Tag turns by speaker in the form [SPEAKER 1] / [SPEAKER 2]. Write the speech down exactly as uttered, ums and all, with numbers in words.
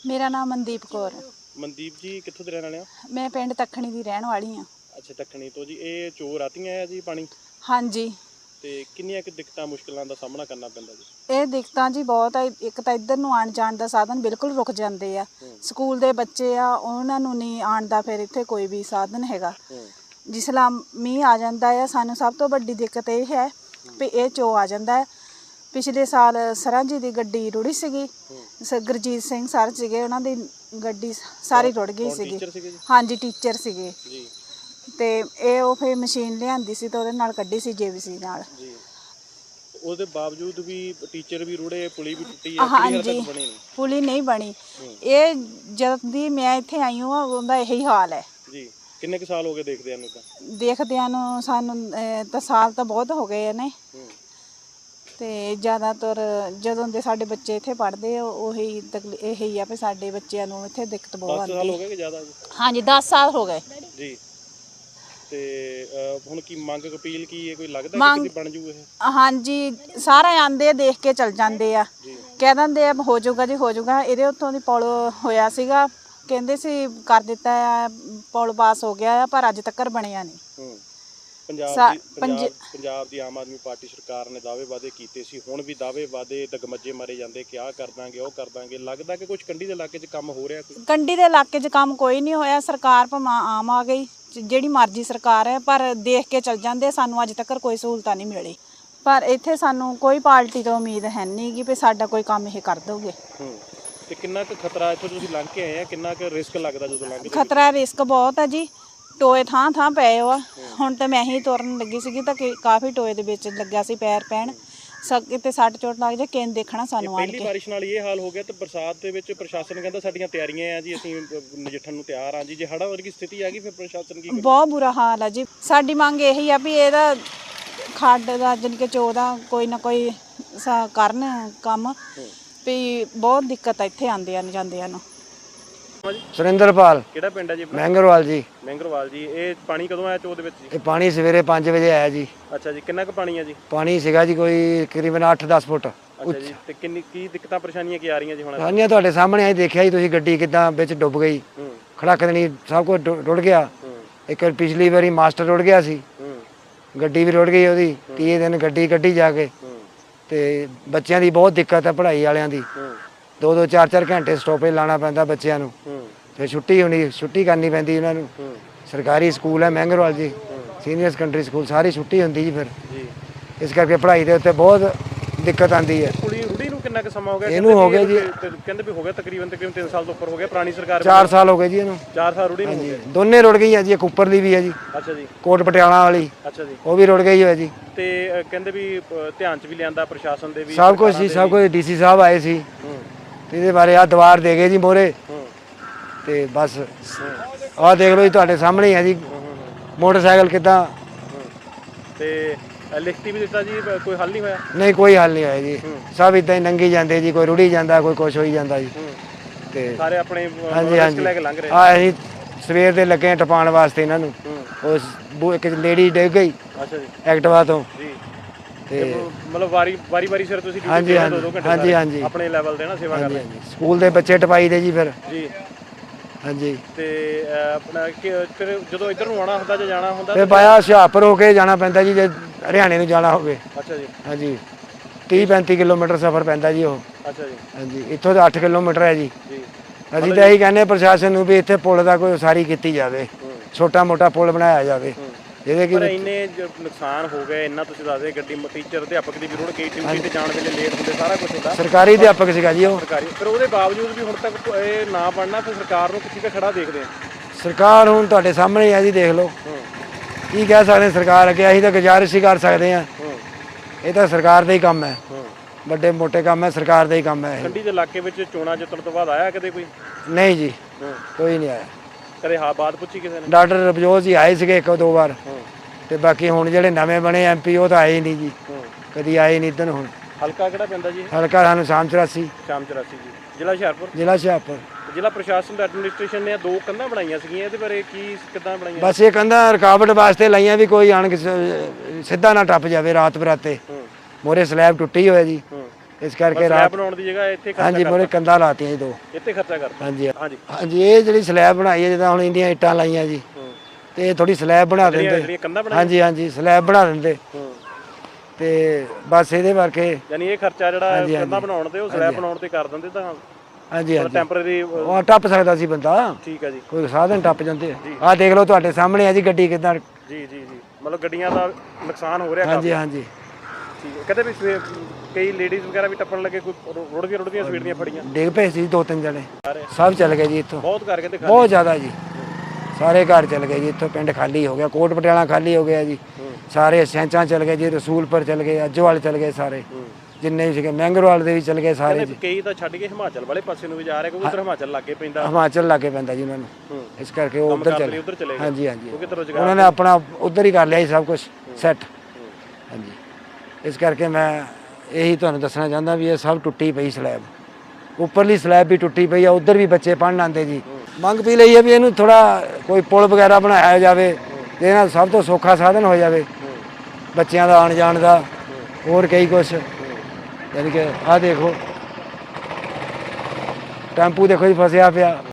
[SPEAKER 1] मेरा नाम मनदीप कौर।
[SPEAKER 2] मनदीप जी कित्थों दे रहने वाले हो?
[SPEAKER 1] मैं पिंड तखणी दी रहन वाली हाँ।
[SPEAKER 2] अच्छा तखणी तो जी ये चोर आतियां है जी पानी
[SPEAKER 1] हाँ जी।
[SPEAKER 2] ਤੇ ਕਿੰਨੀਆਂ ਕਿ ਦਿੱਕਤਾਂ ਮੁਸ਼ਕਲਾਂ ਦਾ ਸਾਹਮਣਾ ਕਰਨਾ ਪੈਂਦਾ ਜੀ?
[SPEAKER 1] ਇਹ ਦਿੱਕਤਾਂ ਜੀ ਬਹੁਤ ਆ। ਇੱਕ ਤਾਂ ਇੱਧਰ ਨੂੰ ਆਉਣ ਜਾਣ ਦਾ ਸਾਧਨ ਬਿਲਕੁਲ ਰੁਕ ਜਾਂਦੇ ਆ। ਸਕੂਲ ਦੇ ਬੱਚੇ ਆ ਉਹਨਾਂ ਨੂੰ ਨਹੀਂ ਆਉਣ ਦਾ ਫਿਰ ਇੱਥੇ ਕੋਈ ਵੀ ਸਾਧਨ ਹੈਗਾ। ਜਿਸ ਲਾ ਮੀਂਹ ਆ ਜਾਂਦਾ ਆ ਸਾਨੂੰ ਸਭ ਤੋਂ ਵੱਡੀ ਦਿੱਕਤ ਇਹ ਹੈ ਵੀ ਇਹ ਚੋ ਆ ਜਾਂਦਾ ਹੈ। ਪਿਛਲੇ ਸਾਲ ਸਰਾਂ ਜੀ ਦੀ ਗੱਡੀ ਰੁੜੀ ਸੀਗੀ। ਗੁਰਜੀਤ ਸਿੰਘ ਸਰ ਸੀਗੇ ਉਹਨਾਂ ਦੀ ਗੱਡੀ ਸਾਰੀ ਰੁੜ ਗਈ ਸੀਗੀ। ਹਾਂਜੀ ਟੀਚਰ ਸੀਗੇ
[SPEAKER 2] ਜੀ।
[SPEAKER 1] ਤੇ ਇਹ ਉਹ ਫਿਰ ਮਸ਼ੀਨ ਲਿਆਂਦੀ ਸੀ ਤੇ ਉਹਦੇ ਨਾਲ ਕੱਢੀ ਸੀ ਜੇਬੀਸੀ ਨਾਲ
[SPEAKER 2] ਜੀ। ਉਹਦੇ ਬਾਵਜੂਦ ਵੀ ਟੀਚਰ ਵੀ ਰੁੜੇ ਪੁਲੀ ਵੀ ਟੁੱਟੀ ਹੈ
[SPEAKER 1] ਹਾਂਜੀ ਬਣੀ ਨਹੀਂ ਪੁਲੀ ਨਹੀਂ ਬਣੀ। ਇਹ ਜਦ ਦੀ ਮੈਂ ਇੱਥੇ ਆਈ ਹਾਂ ਉਹਦਾ ਇਹੀ ਹਾਲ ਹੈ
[SPEAKER 2] ਜੀ। ਕਿੰਨੇ ਕੁ ਸਾਲ ਹੋ ਗਏ ਦੇਖਦਿਆਂ ਨੂੰ? ਤਾਂ ਦੇਖਦਿਆਂ
[SPEAKER 1] ਨੂੰ ਸਾਨੂੰ ਤਾਂ ਸਾਲ ਤਾਂ ਬਹੁਤ ਹੋ ਗਏ ਨੇ ਤੇ ਜ਼ਿਆਦਾਤਰ ਜਦੋਂ ਦੇ ਸਾਡੇ ਬੱਚੇ ਇੱਥੇ ਪੜ੍ਹਦੇ ਆ ਉਹੀ ਤਕਲੀਫ ਇਹੀ ਆ ਵੀ ਸਾਡੇ ਬੱਚਿਆਂ ਨੂੰ ਇੱਥੇ ਦਿੱਕਤ ਬਹੁਤ ਆਉਂਦੀ।
[SPEAKER 2] ਦਸ ਸਾਲ ਹੋ ਗਏ ਕਿ ਜ਼ਿਆਦਾ ਜੀ?
[SPEAKER 1] ਹਾਂਜੀ ਦਸ ਸਾਲ ਹੋ ਗਏ
[SPEAKER 2] ਜੀ। ਤੇ ਹੁਣ ਕੀ ਮੰਗ ਅਪੀਲ ਕੀ ਹੈ? ਕੋਈ ਲੱਗਦਾ ਕਿ ਕਿਤੇ ਬਣ ਜੂ ਇਹ?
[SPEAKER 1] ਹਾਂਜੀ ਸਾਰੇ ਆਂਦੇ ਦੇਖ ਕੇ ਚਲ ਜਾਂਦੇ ਆ ਕਹਿ ਦਿੰਦੇ ਆ ਹੋ ਜਾਊਗਾ ਜੀ ਹੋ ਜਾਊਗਾ। ਇਹਦੇ ਉੱਤੋਂ ਦੀ ਪੁਲ ਹੋਇਆ ਸੀਗਾ ਕਹਿੰਦੇ ਸੀ ਕਰ ਦਿੱਤਾ ਆ ਪੁਲ ਪਾਸ ਹੋ ਗਿਆ ਆ ਪਰ ਅੱਜ ਤੱਕ ਬਣਿਆ ਨਹੀਂ।
[SPEAKER 2] ਪੰਜਾਬ ਦੀ ਪੰਜਾਬ ਦੀ ਆਮ ਆਦਮੀ ਪਾਰਟੀ ਸਰਕਾਰ ਨੇ ਦਾਅਵੇ ਵਾਅਦੇ ਕੀਤੇ ਸੀ ਹੁਣ ਵੀ ਦਾਅਵੇ ਵਾਅਦੇ ਦਗਮੱਜੇ ਮਾਰੇ ਜਾਂਦੇ ਕਿ ਆਹ ਕਰ ਦਾਂਗੇ ਉਹ ਕਰ ਦਾਂਗੇ। ਲੱਗਦਾ ਕਿ ਕੁਝ ਕੰਢੀ ਦੇ ਇਲਾਕੇ 'ਚ ਕੰਮ ਹੋ ਰਿਹਾ? ਕੋਈ
[SPEAKER 1] ਕੰਢੀ ਦੇ ਇਲਾਕੇ 'ਚ ਕੰਮ ਕੋਈ ਨਹੀਂ ਹੋਇਆ। ਸਰਕਾਰ ਭਾਵੇਂ ਆਮ ਆ ਗਈ ਜਿਹੜੀ ਮਰਜ਼ੀ ਸਰਕਾਰ ਹੈ ਪਰ ਦੇਖ ਕੇ ਚਲ ਜਾਂਦੇ। ਸਾਨੂੰ ਅੱਜ ਤੱਕ ਕੋਈ ਸਹੂਲਤਾਂ ਨਹੀਂ ਮਿਲੀ ਪਰ ਇੱਥੇ ਸਾਨੂੰ ਕੋਈ ਪਾਰਟੀ ਤੋਂ ਉਮੀਦ ਹੈ ਨਹੀਂ ਕਿ ਵੀ ਸਾਡਾ ਕੋਈ ਕੰਮ ਇਹ ਕਰ ਦੋਗੇ।
[SPEAKER 2] ਤੇ ਕਿੰਨਾ ਕੁ ਖਤਰਾ ਇੱਥੋਂ ਤੁਸੀਂ ਲੰਘ ਕੇ ਆਏ ਆ? ਕਿੰਨਾ ਕੁ ਰਿਸਕ ਲੱਗਦਾ ਜਦੋਂ ਲੰਘਦੇ?
[SPEAKER 1] ਖਤਰਾ ਰਿਸਕ ਬਹੁਤ ਹੈ ਜੀ। ਟੋਏ ਥਾਂ ਥਾਂ ਪਏ ਆ। ਹੁਣ ਤਾਂ ਮੈਂ ਹੀ ਤੁਰਨ ਲੱਗੀ ਸੀਗੀ ਤਾਂ ਕਾਫੀ ਟੋਏ ਦੇ ਵਿੱਚ ਲੱਗਿਆ ਸੀ ਪੈਰ ਪੈਣ ਕਿਤੇ ਸੱਟ ਚੋਟ ਲੱਗ ਜਾ ਕਿਨ ਦੇਖਣਾ ਸਾਨੂੰ ਆਣ ਕੇ।
[SPEAKER 2] ਪਹਿਲੀ ਬਾਰਿਸ਼ ਨਾਲ ਇਹ ਹਾਲ ਹੋ ਗਿਆ ਤੇ ਬਰਸਾਤ ਦੇ ਵਿੱਚ ਪ੍ਰਸ਼ਾਸਨ ਕਹਿੰਦਾ ਸਾਡੀਆਂ ਤਿਆਰੀਆਂ ਆ ਜੀ ਅਸੀਂ ਨਜਿੱਠਣ ਨੂੰ ਤਿਆਰ ਆ ਜੀ। ਜੇ ਹੜ੍ਹਾਂ ਵਰਗੀ ਸਥਿਤੀ ਆ ਗਈ ਫਿਰ ਪ੍ਰਸ਼ਾਸਨ ਕੀ ਕਰੇ? ਬਹੁਤ
[SPEAKER 1] ਬੁਰਾ ਹਾਲ ਆ ਜੀ। ਸਾਡੀ ਮੰਗ ਇਹੀ ਆ ਵੀ ਇਹਦਾ ਖੱਡ ਦਾ ਜਾਣੀ ਕਿ ਚੋ ਦਾ ਕੋਈ ਨਾ ਕੋਈ ਕਰਨ ਕੰਮ ਵੀ ਬਹੁਤ ਦਿੱਕਤ ਆ ਇੱਥੇ ਆਉਂਦਿਆਂ ਨੂੰ ਜਾਂਦਿਆਂ ਨੂੰ।
[SPEAKER 3] ਸੁਰਿੰਦਰਪਾਲ।
[SPEAKER 2] ਕਿਹੜਾ ਪਿੰਡ ਹੈ ਜੀ?
[SPEAKER 3] ਮਹਿੰਗਰਵਾਲ ਜੀ।
[SPEAKER 2] ਮਹਿੰਗਰਵਾਲ ਜੀ। ਇਹ ਪਾਣੀ ਕਦੋਂ ਆਇਆ ਚੋ ਦੇ ਵਿੱਚ ਜੀ?
[SPEAKER 3] ਇਹ ਪਾਣੀ ਸਵੇਰੇ ਪੰਜ ਵਜੇ ਆਇਆ ਜੀ।
[SPEAKER 2] ਅੱਛਾ ਜੀ। ਕਿੰਨਾ ਕੁ ਪਾਣੀ ਹੈ ਜੀ?
[SPEAKER 3] ਪਾਣੀ ਸੀਗਾ ਜੀ ਕੋਈ ਤਕਰੀਬਨ ਅੱਠ ਦਸ ਫੁੱਟ।
[SPEAKER 2] ਅੱਛਾ ਜੀ। ਤੇ ਕਿੰਨੀ ਕੀ ਦਿੱਕਤਾਂ ਪਰੇਸ਼ਾਨੀਆਂ ਕੀ ਆ ਰਹੀਆਂ ਜੀ ਹੁਣ?
[SPEAKER 3] ਸਾਨੀਆਂ ਤੁਹਾਡੇ ਸਾਹਮਣੇ ਆਈ ਦੇਖਿਆ ਜੀ ਤੁਸੀਂ ਗੱਡੀ ਕਿੱਦਾਂ ਵਿੱਚ ਡੁੱਬ ਗਈ। ਖੜਕ ਦੇਣੀ ਸਭ ਕੁਝ ਰੁੜ ਗਿਆ। ਇੱਕ ਪਿਛਲੀ ਵਾਰੀ ਮਾਸਟਰ ਰੁੜ ਗਿਆ ਸੀ ਗੱਡੀ ਵੀ ਰੁੜ ਗਈ ਉਹਦੀ। ਤੀਏ ਦਿਨ ਗੱਡੀ ਕੱਢੀ ਜਾ ਕੇ ਤੇ ਬੱਚਿਆਂ ਦੀ ਬਹੁਤ ਦਿੱਕਤ ਹੈ ਪੜ੍ਹਾਈ ਵਾਲਿਆਂ ਦੀ। ਦੋ ਦੋ ਚਾਰ ਚਾਰ ਘੰਟੇ ਸਟਾਪੇਜ ਲਾਉਣਾ ਪੈਂਦਾ ਬੱਚਿਆਂ ਨੂੰ। ਫਿਰ ਛੁੱਟੀ ਹੋਣੀ ਛੁੱਟੀ ਕਰਨੀ ਪੈਂਦੀ ਉਹਨਾਂ ਨੂੰ। ਸਰਕਾਰੀ ਸਕੂਲ ਹੈ ਮਹਿੰਗਰਵਾਲ ਜੀ ਸੀਨੀਅਰ ਸੈਕੰਡਰੀ ਸਕੂਲ ਸਾਰੀ ਛੁੱਟੀ ਹੁੰਦੀ ਜੀ ਫਿਰ ਇਸ ਕਰਕੇ ਪੜ੍ਹਾਈ ਦੇ ਉੱਤੇ ਬਹੁਤ ਦਿੱਕਤ ਆਉਂਦੀ ਹੈ।
[SPEAKER 2] ਕੁੜੀ ਰੁੜੀ ਨੂੰ ਕਿੰਨਾ ਕੁ ਸਮਾਂ ਹੋ ਗਿਆ?
[SPEAKER 3] ਇਹਨੂੰ ਹੋ ਗਿਆ ਜੀ
[SPEAKER 2] ਕਹਿੰਦੇ ਵੀ ਹੋ ਗਿਆ ਤਕਰੀਬਨ ਤਕਰੀਬਨ ਤਿੰਨ ਸਾਲ ਤੋਂ ਉੱਪਰ ਹੋ ਗਿਆ। ਪੁਰਾਣੀ ਸਰਕਾਰ
[SPEAKER 3] ਚਾਰ ਸਾਲ ਹੋ ਗਏ ਜੀ ਇਹਨੂੰ।
[SPEAKER 2] ਚਾਰ ਸਾਲ ਰੁੜੀ ਨੂੰ ਹੋ ਗਏ।
[SPEAKER 3] ਦੋਨੇ ਰੁੜ ਗਈਆਂ ਜੀ। ਇੱਕ ਉੱਪਰਲੀ ਵੀ ਹੈ ਜੀ। ਅੱਛਾ ਜੀ। ਕੋਟ ਪਟਿਆਲਾ ਵਾਲੀ। ਅੱਛਾ ਜੀ। ਉਹ ਵੀ ਰੁੜ ਗਈ ਹੋਇਆ ਜੀ।
[SPEAKER 2] ਤੇ ਕਹਿੰਦੇ ਵੀ ਧਿਆਨ 'ਚ ਵੀ ਲਿਆਂਦਾ ਪ੍ਰਸ਼ਾਸਨ ਦੇ ਵੀ
[SPEAKER 3] ਸਭ ਕੁਝ ਸੀ ਸਭ ਕੁਝ। ਡੀਸੀ ਸਾਹਿਬ ਆਏ ਸੀ ਤੇ ਇਹਦੇ ਬਾਰੇ ਆ ਦੀਵਾਰ ਦੇ ਗਏ ਜੀ ਮੋਹਰੇ ਤੇ ਬਸ ਆਹ ਦੇਖ ਲਓ ਜੀ ਤੁਹਾਡੇ ਸਾਹਮਣੇ ਹੀ ਹੈ ਜੀ ਮੋਟਰਸਾਈਕਲ ਕਿੱਦਾਂ।
[SPEAKER 2] ਤੇ ਲਿਖਤੀ ਵੀ ਦਿੱਤਾ ਜੀ ਕੋਈ ਹੱਲ ਨਹੀਂ ਹੋਇਆ? ਨਹੀਂ
[SPEAKER 3] ਕੋਈ ਹੱਲ ਨਹੀਂ ਹੋਇਆ ਜੀ। ਸਭ ਇਦਾਂ ਹੀ ਲੰਘੀ ਜਾਂਦੇ ਜੀ। ਕੋਈ ਰੁੜੀ ਜਾਂਦਾ ਕੋਈ ਕੁਛ ਹੋਈ ਜਾਂਦਾ ਜੀ ਤੇ
[SPEAKER 2] ਸਾਰੇ ਆਪਣੇ
[SPEAKER 3] ਹਾਂਜੀ ਹਾਂਜੀ
[SPEAKER 2] ਲੈ ਕੇ ਲੰਘ ਰਹੇ
[SPEAKER 3] ਆ। ਅਸੀਂ ਸਵੇਰ ਦੇ ਲੱਗੇ ਟਪਾਉਣ ਵਾਸਤੇ ਇਹਨਾਂ ਨੂੰ। ਉਸ ਇੱਕ ਲੇਡੀ ਡਿੱਗ ਗਈ ਅੱਛਾ ਜੀ ਐਕਟਿਵਾ ਤੋਂ ਜੀ।
[SPEAKER 2] ਤੇ ਮਤਲਬ ਵਾਰੀ ਵਾਰੀ ਵਾਰੀ ਸਿਰ ਤੁਸੀਂ
[SPEAKER 3] ਹਾਂਜੀ ਹਾਂਜੀ ਹਾਂਜੀ
[SPEAKER 2] ਆਪਣੇ ਲੈਵਲ ਤੇ ਨਾ ਸੇਵਾ ਕਰਦੇ?
[SPEAKER 3] ਸਕੂਲ ਦੇ ਬੱਚੇ ਟਪਾਈ ਦੇ ਜੀ ਫਿਰ ਜੀ। ਹਾਂਜੀ।
[SPEAKER 2] ਤੇ ਆਪਣਾ ਫਿਰ ਜਦੋਂ ਇੱਧਰ ਨੂੰ ਆਉਣਾ ਹੁੰਦਾ ਜਾਂ ਜਾਣਾ ਹੁੰਦਾ
[SPEAKER 3] ਤੇ ਬਾਇਆ ਹੁਸ਼ਿਆਰਪੁਰ ਹੋ ਕੇ ਜਾਣਾ ਪੈਂਦਾ ਜੀ ਜੇ ਹਰਿਆਣੇ ਨੂੰ ਜਾਣਾ ਹੋਵੇ। ਅੱਛਾ ਜੀ। ਹਾਂਜੀ ਤੀਹ ਪੈਂਤੀ ਕਿਲੋਮੀਟਰ ਸਫ਼ਰ ਪੈਂਦਾ ਜੀ ਉਹ। ਅੱਛਾ ਜੀ। ਹਾਂਜੀ ਇੱਥੋਂ ਤਾਂ ਅੱਠ ਕਿਲੋਮੀਟਰ ਹੈ ਜੀ। ਅਸੀਂ ਤਾਂ ਇਹੀ ਕਹਿੰਦੇ ਪ੍ਰਸ਼ਾਸਨ ਨੂੰ ਵੀ ਇੱਥੇ ਪੁਲ ਦਾ ਕੋਈ ਉਸਾਰੀ ਕੀਤੀ ਜਾਵੇ ਛੋਟਾ ਮੋਟਾ ਪੁਲ ਬਣਾਇਆ ਜਾਵੇ ਜਿਹਦੇ ਕਿ
[SPEAKER 2] ਇੰਨੇ ਨੁਕਸਾਨ ਹੋ ਗਏ। ਇੰਨਾ ਤੁਸੀਂ ਦੱਸਦੇ ਗੱਡੀ ਟੀਚਰ ਅਧਿਆਪਕ ਦੀ ਵੀ ਰੁੜ ਗਈ ਡਿਊਟੀ ਤੇ ਜਾਣ ਵੇਲੇ ਲੇਟ ਹੁੰਦੇ ਸਾਰਾ ਕੁਝ ਹੁੰਦਾ।
[SPEAKER 3] ਸਰਕਾਰੀ ਅਧਿਆਪਕ ਸੀਗਾ ਜੀ ਉਹ।
[SPEAKER 2] ਸਰਕਾਰੀ ਪਰ ਉਹਦੇ ਬਾਵਜੂਦ ਵੀ ਹੁਣ ਤੱਕ ਇਹ ਨਾ ਬਣਨਾ ਫਿਰ ਸਰਕਾਰ ਨੂੰ ਕਿੱਥੇ ਖੜਾ ਦੇਖਦੇ ਆ?
[SPEAKER 3] ਸਰਕਾਰ ਹੁਣ ਤੁਹਾਡੇ ਸਾਹਮਣੇ ਹੈ ਜੀ ਦੇਖ ਲਓ ਕੀ ਕਹਿ ਸਕਦੇ ਸਰਕਾਰ ਅੱਗੇ। ਅਸੀਂ ਤਾਂ ਗੁਜ਼ਾਰਿਸ਼ ਹੀ ਕਰ ਸਕਦੇ ਹਾਂ। ਇਹ ਤਾਂ ਸਰਕਾਰ ਦਾ ਹੀ ਕੰਮ ਹੈ। ਵੱਡੇ ਮੋਟੇ ਕੰਮ ਹੈ ਸਰਕਾਰ ਦਾ ਹੀ ਕੰਮ ਹੈ।
[SPEAKER 2] ਕੰਢੀ ਦੇ ਇਲਾਕੇ ਵਿੱਚ ਚੋਣਾਂ ਜਿੱਤਣ ਤੋਂ ਬਾਅਦ ਆਇਆ ਕਦੇ ਕੋਈ?
[SPEAKER 3] ਨਹੀਂ ਜੀ ਕੋਈ ਨਹੀਂ ਆਇਆ
[SPEAKER 2] ਕਦੇ ਹਾਂ ਬਾਤ ਪੁੱਛੀ ਕਿਸੇ ਨੇ?
[SPEAKER 3] ਡਾਕਟਰ ਰਵਜੋਤ ਜੀ ਆਏ ਸੀਗੇ ਇੱਕ ਦੋ ਵਾਰ ਤੇ ਬਾਕੀ ਹੁਣ ਜਿਹੜੇ ਨਵੇਂ ਬਣੇ ਐਮ ਪੀ ਉਹ ਤਾਂ ਆਏ ਨਹੀਂ ਜੀ ਕਦੀ ਆਏ ਨਹੀਂ ਇੱਧਰ। ਹੁਣ
[SPEAKER 2] ਹਲਕਾ ਕਿਹੜਾ ਪੈਂਦਾ ਜੀ?
[SPEAKER 3] ਹਲਕਾ ਸਾਨੂੰ ਸ਼ਾਮ ਚੁਰਾਸੀ।
[SPEAKER 2] ਸ਼ਾਮ ਚੁਰਾਸੀ ਜੀ। ਜ਼ਿਲ੍ਹਾ ਹੁਸ਼ਿਆਰਪੁਰ? ਜ਼ਿਲ੍ਹਾ
[SPEAKER 3] ਹੁਸ਼ਿਆਰਪੁਰ।
[SPEAKER 2] ਜ਼ਿਲ੍ਹਾ ਪ੍ਰਸ਼ਾਸਨ ਦਾ ਐਡਮਿਨਿਸਟ੍ਰੇਸ਼ਨ ਨੇ ਦੋ ਕੰਧਾਂ ਬਣਾਈਆਂ ਸੀਗੀਆਂ ਇਹਦੇ ਬਾਰੇ ਕੀ ਕਿੱਦਾਂ ਬਣਾਈਆਂ?
[SPEAKER 3] ਬਸ ਇਹ ਕੰਧਾਂ ਰੁਕਾਵਟ ਵਾਸਤੇ ਲਾਈਆਂ ਵੀ ਕੋਈ ਆਣ ਕੇ ਸਿੱਧਾ ਨਾ ਟੱਪ ਜਾਵੇ ਰਾਤ ਬਰਾਤੇ। ਮੋਰੇ ਸਲੈਬ ਟੁੱਟੀ ਹੋਇਆ ਜੀ ਇਸ ਕਰਕੇ
[SPEAKER 2] ਸਲੈਬ
[SPEAKER 3] ਰਾਤ
[SPEAKER 2] ਬਣਾਉਣ ਦੀ ਜਗ੍ਹਾ ਇੱਥੇ ਖਰਚਾ
[SPEAKER 3] ਹਾਂਜੀ ਮੋਰੇ ਕੰਧਾਂ ਲਾਤੀਆਂ ਜੀ ਦੋ।
[SPEAKER 2] ਇੱਥੇ ਖਰਚਾ ਕਰਤਾ।
[SPEAKER 3] ਹਾਂਜੀ
[SPEAKER 2] ਹਾਂਜੀ
[SPEAKER 3] ਹਾਂਜੀ ਇਹ ਜਿਹੜੀ ਸਲੈਬ ਬਣਾਈ ਹੈ ਜਿੱਦਾਂ ਹੁਣ ਇੰਡੀਆਂ ਇੱਟਾਂ ਲਾਈਆਂ ਜੀ ਤੇ ਇਹ ਥੋੜੀ ਸਲੈਬ ਬਣਾ ਦਿੰਦੇ।
[SPEAKER 2] ਜਿਹੜੀਆਂ ਕੰਧਾਂ ਬਣਾਈਆਂ
[SPEAKER 3] ਹਾਂਜੀ ਹਾਂਜੀ ਸਲੈਬ ਬਣਾ ਦਿੰਦੇ
[SPEAKER 2] ਹੂੰ
[SPEAKER 3] ਤੇ ਬਸ ਇਹਦੇ ਕਰਕੇ
[SPEAKER 2] ਯਾਨੀ ਇਹ ਖਰਚਾ ਜਿਹੜਾ ਕੰਧਾਂ ਬਣਾਉਣ ਤੇ ਉਹ ਸਲੈਬ ਬਣਾਉਣ ਤੇ ਕਰ ਦਿੰਦੇ ਤਾਂ
[SPEAKER 3] ਹਾਂਜੀ ਹਾਂਜੀ
[SPEAKER 2] ਟੈਂਪਰੇਰੀ।
[SPEAKER 3] ਉਹ ਟੱਪ ਸਕਦਾ ਸੀ ਬੰਦਾ,
[SPEAKER 2] ਠੀਕ ਹੈ ਜੀ।
[SPEAKER 3] ਕੋਈ ਸਾਧਨ ਟੱਪ ਜਾਂਦੇ। ਆਹ ਦੇਖ ਲਓ ਤੁਹਾਡੇ ਸਾਹਮਣੇ ਆ ਜੀ ਗੱਡੀ ਕਿੱਦਾਂ।
[SPEAKER 2] ਜੀ ਜੀ ਜੀ ਮਤਲਬ ਗੱਡੀਆਂ ਦਾ ਨੁਕਸਾਨ ਹੋ ਰਿਹਾ
[SPEAKER 3] ਹਾਂਜੀ
[SPEAKER 2] ਕਾਫੀ।
[SPEAKER 3] ਹਾਂਜੀ
[SPEAKER 2] ਠੀਕ ਹੈ। ਕਦੇ ਵੀ ਸਵੇਰ ਕਈ ਲੇਡੀਜ਼ ਵਗੈਰਾ ਵੀ ਟੱਪਣ ਲੱਗੇ, ਕੋਈ ਰੁੜਦੀਆਂ ਰੁੜਦੀਆਂ ਸਵੇਰ ਦੀਆਂ ਫੜੀਆਂ
[SPEAKER 3] ਡਿੱਗ ਪਏ ਸੀ ਦੋ ਤਿੰਨ ਜਣੇ,
[SPEAKER 2] ਸਾਰੇ
[SPEAKER 3] ਸਭ ਚੱਲ ਗਏ ਜੀ ਇੱਥੋਂ।
[SPEAKER 2] ਬਹੁਤ ਕਰਕੇ ਤੇ
[SPEAKER 3] ਬਹੁਤ ਜ਼ਿਆਦਾ ਜੀ, ਸਾਰੇ ਘਰ ਚੱਲ ਗਏ ਜੀ ਇੱਥੋਂ। ਪਿੰਡ ਖਾਲੀ ਹੋ ਗਿਆ, ਕੋਟ ਪਟਿਆਲਾ ਖਾਲੀ ਹੋ ਗਿਆ ਜੀ, ਸਾਰੇ ਸੈਂਚਾਂ ਚੱਲ ਗਏ ਜੀ, ਰਸੂਲਪੁਰ ਚੱਲ ਗਏ, ਅੱਜੋਵਾਲ ਚੱਲ ਗਏ, ਸਾਰੇ ਜਿੰਨੇ ਵੀ ਸੀਗੇ ਮਹਿੰਗਰਵਾਲ ਦੇ ਵੀ ਚੱਲ ਗਏ ਸਾਰੇ ਜੀ।
[SPEAKER 2] ਕਈ ਤਾਂ ਛੱਡ ਕੇ ਹਿਮਾਚਲ ਵਾਲੇ ਪਾਸੇ ਨੂੰ ਵੀ ਜਾ ਰਹੇ ਕਿਉਂਕਿ ਉਧਰ ਹਿਮਾਚਲ ਲਾਗੇ ਪੈਂਦਾ।
[SPEAKER 3] ਹਿਮਾਚਲ ਲਾਗੇ ਪੈਂਦਾ ਜੀ ਉਹਨਾਂ ਨੂੰ, ਇਸ ਕਰਕੇ ਉਹ ਉੱਧਰ ਚਲੇ
[SPEAKER 2] ਉਧਰ ਚਲੇ ਗਏ।
[SPEAKER 3] ਹਾਂਜੀ ਹਾਂਜੀ
[SPEAKER 2] ਕਿਉਂਕਿ ਰੁਜ਼ਗਾਰ
[SPEAKER 3] ਉਹਨਾਂ ਨੇ ਆਪਣਾ ਉੱਧਰ ਹੀ ਕਰ ਲਿਆ ਜੀ ਸਭ ਕੁਝ ਸੈੱਟ। ਹਾਂਜੀ ਇਸ ਕਰਕੇ ਮੈਂ ਇਹੀ ਤੁਹਾਨੂੰ ਦੱਸਣਾ ਚਾਹੁੰਦਾ ਵੀ ਇਹ ਸਭ ਟੁੱਟੀ ਪਈ ਸਲੈਬ, ਉੱਪਰਲੀ ਸਲੈਬ ਵੀ ਟੁੱਟੀ ਪਈ ਆ। ਉੱਧਰ ਵੀ ਬੱਚੇ ਪੜ੍ਹਨ ਆਉਂਦੇ ਜੀ। ਮੰਗ ਪੀ ਲਈ ਹੈ ਵੀ ਇਹਨੂੰ ਥੋੜਾ ਕੋਈ ਪੁਲ ਵਗੈਰਾ ਬਣਾਇਆ ਜਾਵੇ ਤੇ ਇਹਨਾਂ ਸਭ ਤੋਂ ਸੌਖਾ ਸਾਧਨ ਹੋ ਜਾਵੇ ਬੱਚਿਆਂ ਦਾ ਆਉਣ ਜਾਣ ਦਾ, ਹੋਰ ਕਈ ਕੁਛ। ਯਾਨੀ ਕਿ ਆਹ ਦੇਖੋ ਟੈਂਪੂ ਦੇਖੋ ਜੀ ਫਸਿਆ ਪਿਆ।